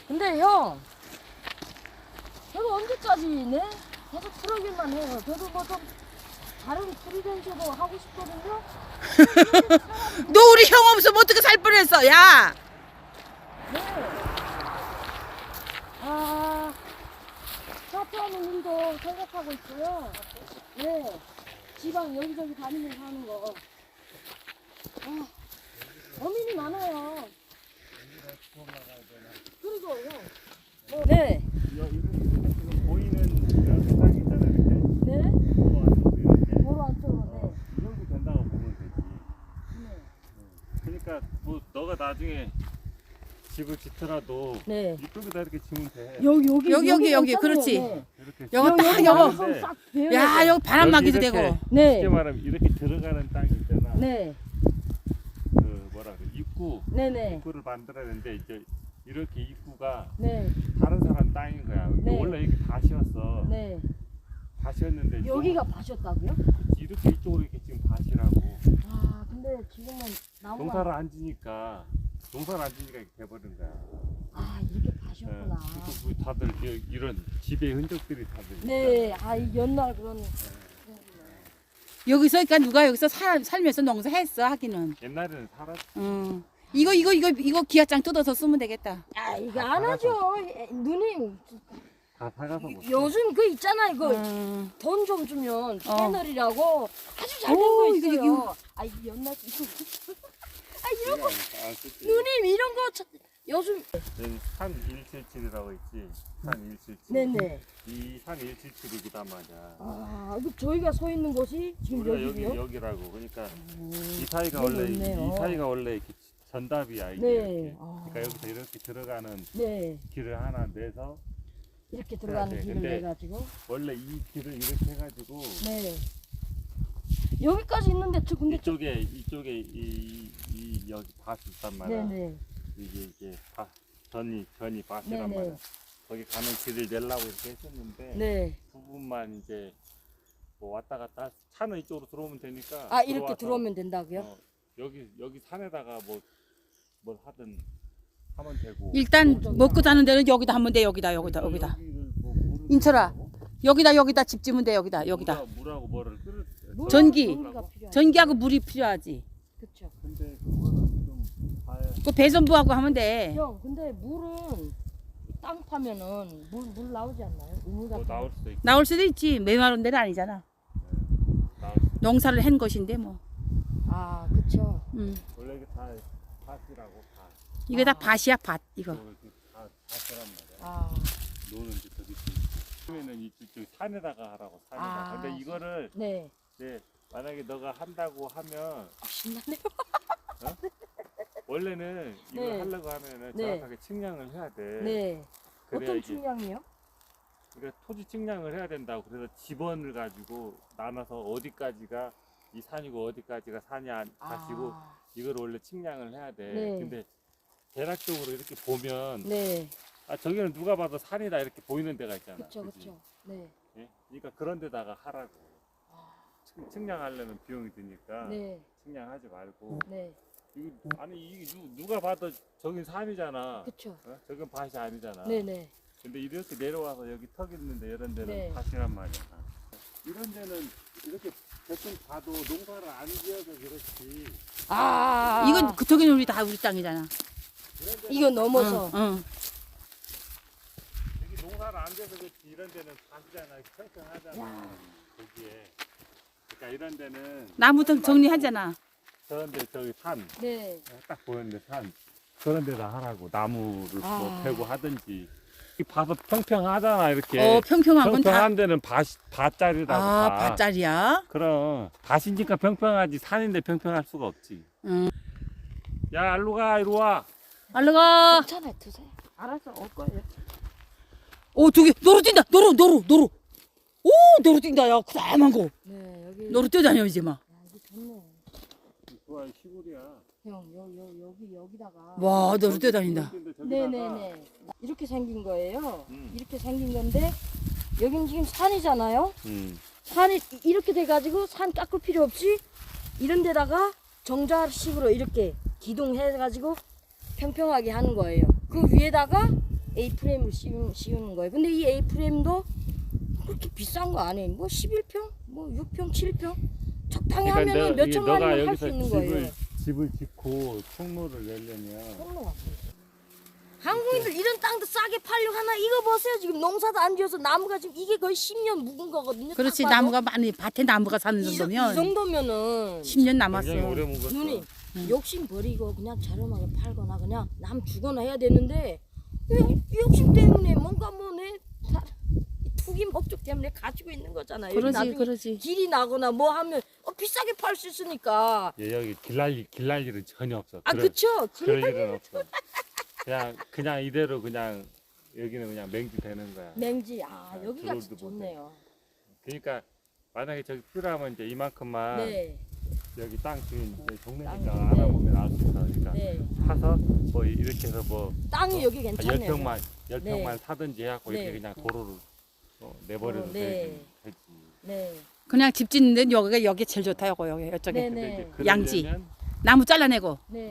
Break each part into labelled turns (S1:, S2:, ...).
S1: 근데 형, 저도 언제까지 네? 계속 그러기만 해요. 저도 뭐 좀 다른 프리랜서도 하고 싶거든요.
S2: 너 우리 형 없으면 어떻게 살 뻔했어, 야!
S1: 네. 아, 사업하는 일도 생각하고 있어요. 네. 지방 여기저기 다니면서 하는 거. 아, 고민이 많아요. 그리고 형. 네.
S3: 지금 보이는 이런 땅 있잖아, 이렇게.
S1: 네.
S3: 도로 안쪽으로 이렇게.
S1: 도로 안쪽으로. 네.
S3: 이 정도 된다고 보면 되지.
S1: 네.
S3: 그러니까 뭐 너가 나중에 집을 짓더라도
S1: 네.
S3: 이쪽에다 이렇게 지면 돼.
S2: 여기, 그렇지.
S1: 네.
S3: 이렇게
S2: 여기 딱
S3: 지면
S2: 여기.
S3: 되는데
S1: 싹 배워.
S2: 야, 여기 바람 나기도
S3: 이렇게
S2: 되고.
S1: 네.
S3: 쉽게 말하면 이렇게 들어가는 땅이 있잖아.
S1: 네.
S3: 그 뭐라 그래,
S1: 네네.
S3: 입구를 만들어야 되는데 이제 이렇게 입구가
S1: 네.
S3: 다른 사람 땅인 거야. 근데
S1: 네.
S3: 원래 이렇게 밭이었어.
S1: 네.
S3: 밭이었는데
S1: 여기가 밭이었다고요?
S3: 이렇게 이쪽으로 이렇게 지금 밭이라고.
S1: 아, 근데 지금은 나무가.
S3: 농사를 안 지니까 이렇게 돼버린 거야.
S1: 아, 이렇게 밭이었구나.
S3: 그래서 뭐 다들 이런 집의 흔적들이 다들.
S1: 네. 아, 이 옛날 그런.
S2: 여기서, 그러니까 누가 여기서 살면서 농사했어, 하기는.
S3: 옛날에는 살았.
S2: 이거 기아장 뜯어서 쓰면 되겠다.
S1: 아, 이거 안 하죠. 누님.
S3: 다 사가서 못.
S1: 요즘 그 있잖아, 이거.
S2: 음.
S1: 돈 좀 주면 패널이라고 아주 잘 된
S2: 오,
S1: 거
S2: 이거,
S1: 있어요.
S2: 이거.
S1: 아, 이거 옛날 이거. 아, 이런 거.
S3: 안 쓰지.
S1: 누님 이런 거 요즘.
S3: 얘는 산 177이라고 있지. 산 177.
S1: 네네.
S3: 이 산 177이기단 말이야.
S1: 아, 이거 저희가 서 있는 곳이 지금
S3: 우리가 여기
S1: 여기요?
S3: 여기라고. 그러니까 이
S1: 여기
S3: 사이가 원래
S1: 있네요.
S3: 이 사이가 원래 이렇게 전답이야 이게.
S1: 네.
S3: 이렇게.
S1: 아.
S3: 그러니까 여기서 이렇게 들어가는
S1: 네.
S3: 길을 하나 내서
S1: 이렇게 들어가는
S3: 네,
S1: 길을
S3: 근데
S1: 내가지고.
S3: 원래 이 길을 이렇게 해가지고
S1: 네. 여기까지 있는데 저 근데
S3: 이쪽에 이 여기 밭이 있단 말이야.
S1: 네네.
S3: 이게 밭 전이 밭이란
S1: 네네.
S3: 말이야. 거기 가는 길을 내려고 이렇게 했었는데
S1: 네.
S3: 부분만 이제 뭐 왔다 갔다 차는 이쪽으로 들어오면 되니까.
S1: 아, 이렇게
S3: 들어와서,
S1: 들어오면 된다고요?
S3: 여기 산에다가 뭘 하든 하면 되고.
S2: 일단 먹고 사는 데는 여기다 하면 돼, 여기다.
S3: 여기를 뭐 물을
S2: 인철아,
S3: 끓이고
S2: 여기다 집 지면 돼, 여기다.
S3: 물하고 뭐를 끓여.
S2: 전기.
S1: 전기가 필요하죠.
S2: 전기하고 물이 필요하지.
S1: 그쵸.
S3: 근데 그거는 좀 봐야.
S2: 그 배선부하고 하면 돼.
S1: 형, 근데 물은 땅 파면은 물 나오지 않나요? 우물
S3: 뭐
S1: 같은
S3: 나올
S1: 거.
S3: 수도 있고.
S2: 나올 수도 있지. 메마른 데는 아니잖아.
S3: 나올 수도 있고.
S2: 농사를 한 것인데 뭐.
S1: 아, 그쵸.
S3: 원래 이게 다 밭이라고 밭.
S2: 이거 다
S1: 아.
S2: 밭이야, 밭. 이거.
S3: 다 밭이란 말이야.
S1: 아,
S3: 노는 게 저기 처음에는 이쪽 산에다가 하라고 산에다가.
S1: 아.
S3: 근데 이거를
S1: 네.
S3: 이제 만약에 너가 한다고 하면
S1: 아, 신나네요.
S3: 원래는 이걸
S1: 네.
S3: 하려고 하면은
S1: 네.
S3: 정확하게 측량을 해야 돼.
S1: 네.
S3: 그래야
S1: 어떤
S3: 이게
S1: 측량이요?
S3: 그러니까 토지 측량을 해야 된다고. 그래서 지번을 가지고 나눠서 어디까지가 이 산이고 어디까지가 산이 밭이고 이걸 원래 측량을 해야 돼.
S1: 네.
S3: 근데 대략적으로 이렇게 보면
S1: 네.
S3: 아 저기는 누가 봐도 산이다 이렇게 보이는 데가 있잖아.
S1: 그쵸,
S3: 그치?
S1: 그쵸. 네.
S3: 예? 그러니까 그런 데다가 하라고. 측량하려면 비용이 드니까
S1: 네.
S3: 측량하지 말고.
S1: 네.
S3: 아니 누가 봐도 저긴 산이잖아.
S1: 그쵸.
S3: 어? 저긴 밭이 아니잖아.
S1: 네네.
S3: 근데 이렇게 내려와서 여기 턱 있는데 이런 데는
S1: 네.
S3: 밭이란 말이야. 이런 데는 이렇게 대충 봐도 농사를 안 지어서 그렇지.
S1: 아,
S2: 이건 그쪽에는 우리 땅이잖아.
S3: 이런 데는
S1: 이거 넘어서.
S2: 응.
S3: 여기 농사를 안 지어서 그렇지. 이런 데는 밭이잖아. 평평하잖아. 거기에. 그러니까 이런 데는
S2: 나무도 정리하잖아.
S3: 저런데 저기 산.
S1: 네.
S3: 딱 보이는데 산. 그런 데다 하라고. 나무를
S1: 아.
S3: 뭐 패고 하든지. 이 봐서 평평하잖아. 이렇게.
S2: 평평한 건 다.
S3: 평평한 데는 밭자리라고.
S2: 아,
S3: 다.
S2: 밭자리야?
S3: 그럼 밭이니까 평평하지. 산인데 평평할 수가 없지.
S2: 응.
S3: 야, 일로 가, 이리 와.
S2: 얼른 가.
S1: 괜찮아요. 드세요. 알아서 올 거예요.
S2: 오, 저기, 노루 뛴다. 노루. 오, 노루 뛴다. 야, 그다만 거.
S1: 네, 여기.
S2: 노루 뛰어다녀, 이제 막.
S1: 야, 이거 좋네.
S3: 좋아, 시골이야.
S1: 형, 여기다가.
S2: 와, 노루 뛰어다닌다.
S1: 네네네. 이렇게 생긴 거예요.
S3: 음.
S1: 이렇게 생긴 건데, 여긴 지금 산이잖아요.
S3: 음.
S1: 산이 이렇게 돼가지고 산 깎을 필요 없이 이런 데다가 정자식으로 이렇게 기둥해가지고 평평하게 하는 거예요. 그 위에다가 A프레임을 씌우는 거예요. 근데 이 A프레임도 그렇게 비싼 거 아니에요. 뭐 11평, 뭐 6평, 7평 적당히 하면은 몇 천만이면 할 수 있는 거예요.
S3: 집을 짓고 총로를 내려면
S1: 한국인들 이런 땅도 싸게 팔려고 하나. 이거 보세요. 지금 농사도 안 지어서 나무가 지금 이게 거의 10년 묵은 거거든요.
S2: 그렇지,
S1: 딱 봐도.
S2: 나무가 많이 밭에 나무가 사는
S1: 이
S2: 정도면
S1: 정도면은
S2: 10년 남았어.
S3: 굉장히 오래 묵었어.
S1: 눈이 욕심 버리고 그냥 저렴하게 팔거나 그냥 남 주거나 해야 되는데 왜 욕심 때문에 뭔가 뭐내 투기 목적 때문에 가지고 있는 거잖아요. 여기
S2: 그러지,
S1: 나중에
S2: 그러지.
S1: 길이 나거나 뭐 하면 비싸게 팔 수 있으니까.
S3: 예, 여기 길날 일은 전혀 없어.
S1: 아 그쵸.
S3: 그럴 일은 없어. 그냥 이대로 그냥 여기는 그냥 맹지 되는 거야.
S1: 맹지. 여기가
S3: 들어오지도
S1: 진짜 좋네요.
S3: 그러니까 만약에 저기 필요하면 이제 이만큼만
S1: 네.
S3: 여기 땅 주인 동네니까
S1: 땅, 네.
S3: 알아보면 알 수 있어. 그러니까
S1: 네.
S3: 사서 뭐 이렇게 해서 뭐
S1: 땅이 여기 괜찮네요.
S3: 10평만
S1: 네.
S3: 사든지 해갖고
S1: 네.
S3: 이렇게 그냥 도로를 내버려도
S1: 네.
S3: 되지.
S1: 네.
S2: 그냥 집 짓는 데는 여기 제일 좋다. 여기 이쪽에.
S1: 네네.
S3: 근데 이제
S2: 양지.
S3: 그러려면
S2: 나무 잘라내고.
S1: 네.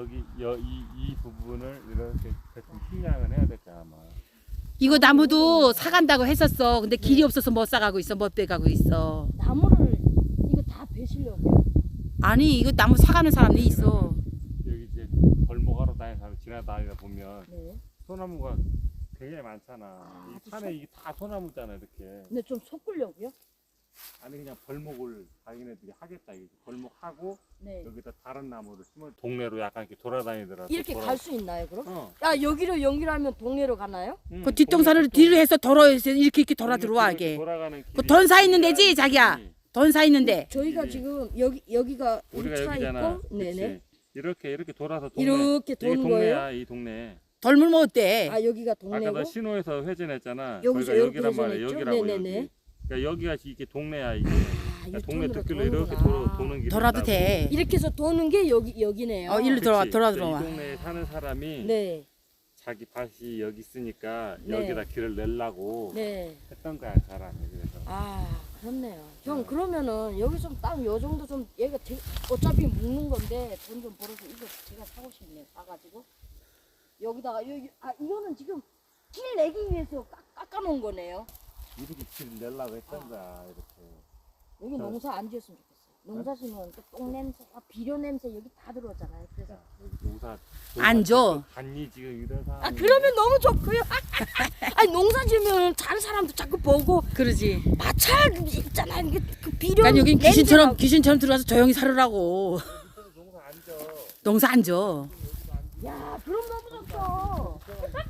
S3: 이 부분을 이렇게 대충 식량을 해야 될 거야 아마.
S2: 이거 나무도 사간다고 했었어. 근데 길이 없어서 못 사가고 있어. 못 빼가고 있어.
S1: 나무를 이거 다 베시려고요.
S2: 아니 이거 나무 사가는 사람이 있어.
S3: 여기 이제 골목하러 다니는 사람 지나다니다 보면
S1: 네.
S3: 소나무가 굉장히 많잖아. 이 산에 이게 다 소나무잖아 이렇게.
S1: 근데 좀 섞으려고요.
S3: 아니 그냥 벌목을 자기네들이 하겠다. 이거 벌목하고
S1: 네.
S3: 여기다 다른 나무를 심어 동네로 약간 이렇게 돌아다니더라도.
S1: 이렇게 갈 수 있나요, 그럼?
S3: 어.
S1: 여기로 연결하면 동네로 가나요?
S2: 그 뒷동산을 뒤로 해서 돌아서 이렇게 돌아 들어와게.
S3: 돌아가는
S2: 그 돈 사 있는 데지 자기야. 돈 사 있는 데.
S1: 저희가
S3: 길이.
S1: 지금 여기가 우리
S3: 우리가
S1: 차
S3: 여기잖아.
S1: 있고, 네네.
S3: 이렇게 돌아서 동네.
S1: 이렇게
S3: 이게
S1: 도는 거예요.
S3: 동네야 이 동네.
S2: 덜물 뭐 어때?
S1: 여기가
S3: 아까
S1: 동네고.
S3: 너 신호에서 회전했잖아.
S1: 여기서
S3: 거기가
S1: 이렇게
S3: 여기란 말이야.
S1: 회전했죠?
S3: 여기라고
S1: 네네네.
S3: 여기. 그러니까 여기가 이게 동네야 이게.
S1: 이
S3: 그러니까 동네
S1: 돈으로
S3: 뒷길로 이렇게
S1: 도는구나.
S3: 도는 길이
S2: 돌아도
S3: 있다고.
S2: 돼.
S1: 이렇게 해서 도는 게 여기네요.
S2: 일로 들어와
S3: 그치?
S2: 들어와.
S3: 이 동네에 사는 사람이
S1: 네,
S3: 자기 밭이 여기 있으니까
S1: 네.
S3: 여기다 길을 내려고
S1: 네.
S3: 했던 거야 사람이. 그래서
S1: 그렇네요. 형 그러면은 여기 좀 땅 요 정도 좀 얘가 어차피 묵는 건데 돈 좀 벌어서 이거 제가 사고 싶네요. 사가지고 여기다가 이거는 지금 길 내기 위해서 깎아놓은 거네요.
S3: 이렇게 길을 내려고 했던 거야 이렇게.
S1: 여기 농사 안 지었으면 좋겠어요. 농사 지으면 똥 냄새, 비료 냄새 여기 다 들어오잖아요. 그래서
S3: 농사
S2: 안 줘.
S3: 간이 지금 이런 상황.
S1: 그러면 너무 좋고요. 아니 농사 지으면 다른 사람도 자꾸 보고
S2: 그러지.
S1: 마찰 있잖아요. 이게 그 비료
S2: 난 여긴
S1: 냄새가-
S2: 귀신처럼 들어와서 조용히 살으라고.
S3: 농사 안 져.
S2: 농사 안 줘.
S1: 야 그럼 너무 좋죠.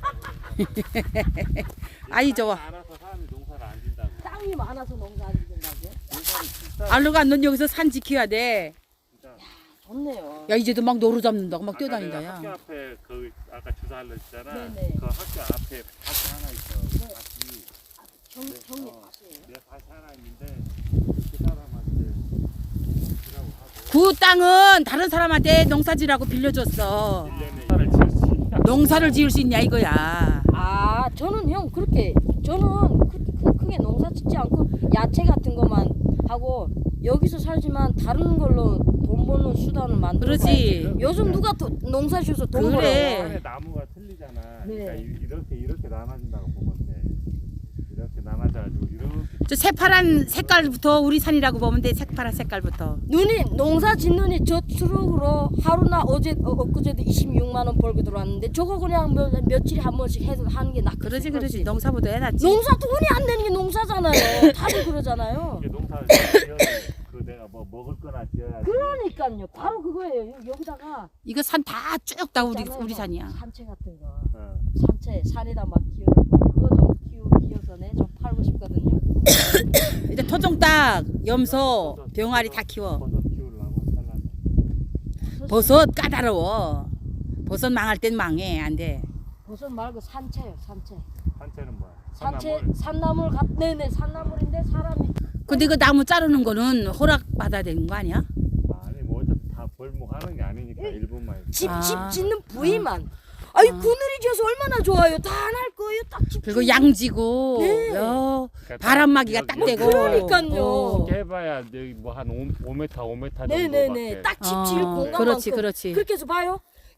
S2: 아이 좋아.
S3: 알아서 사람이 농사를 안 진다고.
S1: 땅이 많아서 농사 안 지는다고요?
S3: 농사를 진짜
S2: 알루가 넌 여기서 산 지켜야 돼.
S1: 좋네요.
S2: 야 이제도 막 노루 잡는다고 막
S3: 아까
S2: 뛰어다닌다
S3: 내가 학교
S2: 야.
S3: 앞에 그 아까 주사하려 했잖아.
S1: 네네.
S3: 그 학교 앞에 밭이 하나 있어.
S1: 네.
S3: 밭이.
S1: 형님
S3: 어.
S1: 밭이에요.
S3: 내 밭이 하나 있는데 그 사람한테 주라고 하고
S2: 그 땅은 다른 사람한테 농사지라고 빌려줬어.
S3: 1년에 농사를 지을 수 있냐?
S2: 농사를 지을 수 있냐 이거야.
S1: 저는 형 그렇게 저는 크게 농사 짓지 않고 야채 같은 것만 하고 여기서 살지만 다른 걸로 돈 버는 수단을 만들어.
S2: 그러지.
S1: 요즘 누가 농사 지어서 돈
S2: 그래.
S1: 벌어요?
S3: 안에 나무가 틀리잖아.
S1: 네.
S3: 그러니까 이렇게 나눠진다고 보면 돼. 이렇게 나눠져가지고 이렇게
S2: 저 새파란 색깔부터 우리 산이라고 보면 돼. 새파란 색깔부터.
S1: 누님 농사 짓느니 저 트럭으로 하루나 엊그제도 26만 원 벌고 들어왔는데 저거 그냥 며칠에 한 번씩 해서 하는 게 낫겠어.
S2: 그러지. 농사보다 해놨지.
S1: 농사 돈이 안 되는 게 농사잖아요. 다들 그러잖아요.
S3: 이게 농사를 지어야 그 내가 뭐 먹을 거나 지어야지.
S1: 그러니까요. 바로 그거예요. 여기다가
S2: 이거 산 다 쭉 다 우리
S1: 있잖아요.
S2: 산이야.
S1: 산채 같은 거.
S3: 어.
S1: 산채 산에다 막 키우는 거. 그거 좀 키워서 좀 팔고 싶거든요.
S2: 이제 토종닭, 염소, 병아리 다 키워.
S3: 버섯 키우려고 잘라서.
S2: 버섯 까다로워. 버섯 망할 땐 망해 안 돼.
S1: 버섯 말고 산채요. 산채.
S3: 산채는 뭐야?
S1: 산채 산나물 네네 산나물인데 사람이
S2: 근데 그 나무 자르는 거는 허락 받아야 되는 거 아니야?
S3: 아니 뭐 어차피 다 벌목하는 게 아니니까 일본만.
S1: 집
S2: 아.
S1: 짓는 부위만. 그늘이 져서 얼마나 좋아요. 다 안 할 거예요. 딱 집.
S2: 그리고 양지고
S1: 네.
S2: 바람막이가 딱
S3: 여기
S2: 되고.
S1: 그러니까요.
S3: 이렇게 해봐야 여기 뭐 한 5m 정도.
S1: 네네네. 딱 집 지을
S2: 어,
S1: 공간만큼.
S2: 그렇지.
S1: 그렇게 해서 봐요.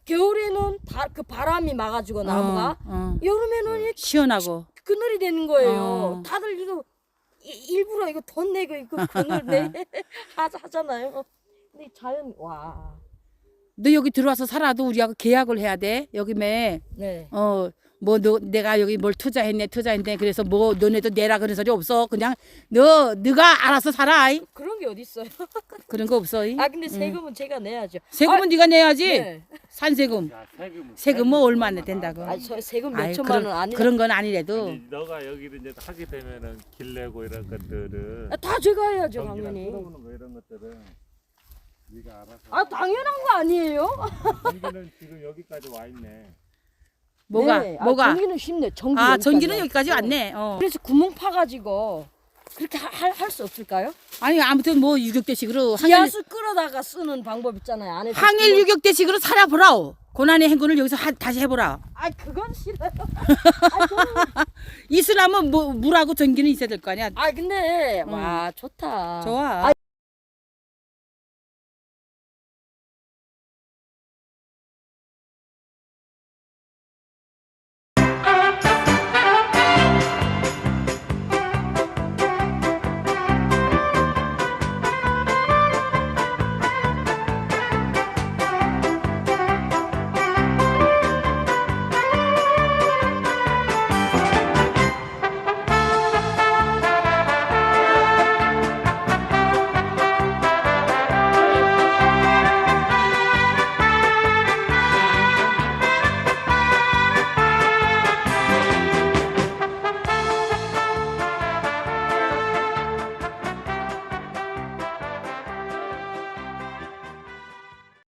S1: 겨울에는 그 바람이 막아주고 나무가 여름에는 이렇게
S2: 시원하고.
S1: 그늘이 되는 거예요.
S2: 어.
S1: 다들 이거 일부러 이거 돈 내고 이거 그늘 내 하잖아요. 근데 자연 와.
S2: 너 여기 들어와서 살아도 우리하고 계약을 해야 돼. 여기 매
S1: 네.
S2: 뭐 내가 여기 뭘 투자했네. 그래서 뭐 너네도 내라 그런 소리 없어. 그냥 너가 알아서 살아.
S1: 그런 게 어디 있어요?
S2: 그런 거 없어.
S1: 아 근데 세금은 제가 내야죠.
S2: 세금은 네가 내야지.
S1: 네.
S2: 산세금.
S3: 야,
S2: 세금은 뭐 얼마나 된다고.
S1: 아 저 세금 몇
S2: 아이,
S1: 천만 원 아니.
S2: 그런 건 아니래도.
S3: 아니, 너가 여기를 이제 하게 되면은 길 내고 이런 것들은
S1: 다 제가 해야죠
S3: 전기랑
S1: 당연히.
S3: 끌어오는 거 이런 것들은 네가 알아서.
S1: 아 당연한 거 아니에요?
S3: 전기는 지금 여기까지 와 있네.
S2: 뭐가?
S1: 네. 아,
S2: 뭐가?
S1: 전기는 쉽네. 전기
S2: 아,
S1: 여기까지
S2: 전기는
S1: 와.
S2: 여기까지 왔네.
S1: 그래서 구멍 파가지고 그렇게 할 수 없을까요?
S2: 아니 아무튼 뭐 유격대식으로
S1: 기하수 끌어다가 쓰는 방법 있잖아요. 안에
S2: 항일 유격대식으로 살아보라오. 고난의 행군을 여기서 다시 해보라.
S1: 아 그건 싫어요.
S2: 이슬람은 뭐 물하고 전기는 있어야 될 거 아니야.
S1: 아 근데 와 좋다.
S2: 좋아.